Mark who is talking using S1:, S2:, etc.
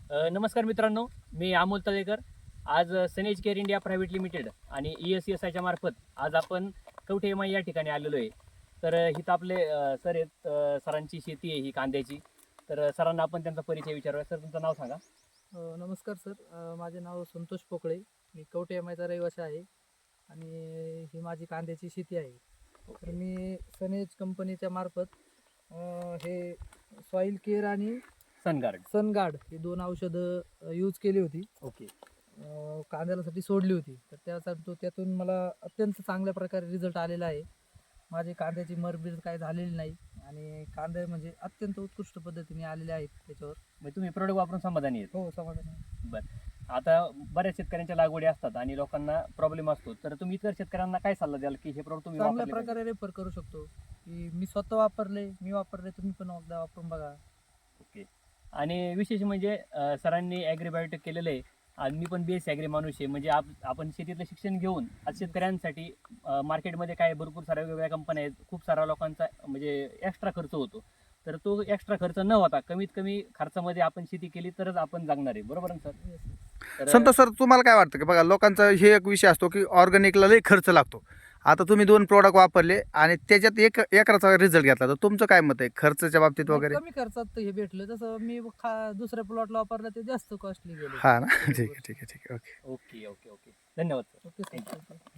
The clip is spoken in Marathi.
S1: नमस्कार मित्रांनो, मी अमोल तळेकर. आज सनेज केअर इंडिया प्रायव्हेट लिमिटेड आणि ESSIच्या मार्फत आज आपण कवठे एम आय या ठिकाणी आलेलो आहे. तर इथं आपले सर आहेत. सरांची शेती आहे ही कांद्याची. तर सरांना आपण त्यांचा परिचय विचारूया. सर, तुमचं नाव सांगा.
S2: नमस्कार सर. माझे नाव संतोष पोकळे. मी कवठे एमआयचा रहिवासी आहे आणि ही माझी कांद्याची शेती आहे. तर मी सनेज कंपनीच्या मार्फत हे सॉईल केअर आणि
S1: सनगार्ड.
S2: सनगार्ड ही दोन औषधं यूज केली होती.
S1: ओके.
S2: कांद्यासाठी सोडली होती. तर त्यातून मला अत्यंत चांगल्या प्रकारे रिझल्ट आलेला आहे. माझी कांद्याची मरबीर काही झालेली नाही आणि कांदे म्हणजे अत्यंत उत्कृष्ट पद्धतीने आलेले आहेत त्याच्यावर.
S1: म्हणजे तुम्ही प्रोडक्ट वापरून समाधानी आहेत?
S2: हो, समाधान.
S1: बरं. आता बऱ्याच शेतकऱ्यांच्या लागवडी असतात आणि लोकांना प्रॉब्लेम असतो. तर तुम्ही इतर शेतकऱ्यांना काय सल्ला द्याल की हे प्रोडक्ट तुम्ही
S2: चांगल्या
S1: वापरले पाहिजे?
S2: प्रकारे रेफर करू शकतो की मी स्वतः वापरले, तुम्ही पण एकदा वापरून बघा.
S1: ओके. आणि विशेष म्हणजे सरांनी ॲग्रीबायोटेक केलेलं आहे आणि मी पण BSc ॲग्री माणूस आहे. म्हणजे आपण शेतीतलं शिक्षण घेऊन आज शेतकऱ्यांसाठी मार्केटमध्ये काय भरपूर साऱ्या वेगवेगळ्या कंपन्या आहेत. खूप सारा लोकांचा म्हणजे एक्स्ट्रा खर्च होतो. तर तो एक्स्ट्रा खर्च न होता कमीत कमी खर्चामध्ये आपण शेती केली तरच आपण जगणार आहे. बरोबर ना सर?
S2: Yes.
S1: तर
S3: संतोष सर, तुम्हाला काय वाटतं की बघा, लोकांचा हे एक विषय असतो की ऑर्गॅनिकला लई खर्च लागतो. आता तुम्ही 2 प्रोडक्ट वापरले आणि त्याच्यात एकराचा रिझल्ट घेतला, तर तुमचं काय मत आहे खर्चाच्या बाबतीत
S2: नाही,
S3: वगैरे?
S2: कमी खर्चात हे भेटलं. तसं मी दुसऱ्या प्लॉटला वापरलं ते जास्त कॉस्टली गेलं.
S3: हां ना. ठीक आहे, ठीक आहे, ठीक आहे. ओके.
S1: Okay okay okay. धन्यवाद sir.
S2: Okay
S1: Thank you.
S2: Sir.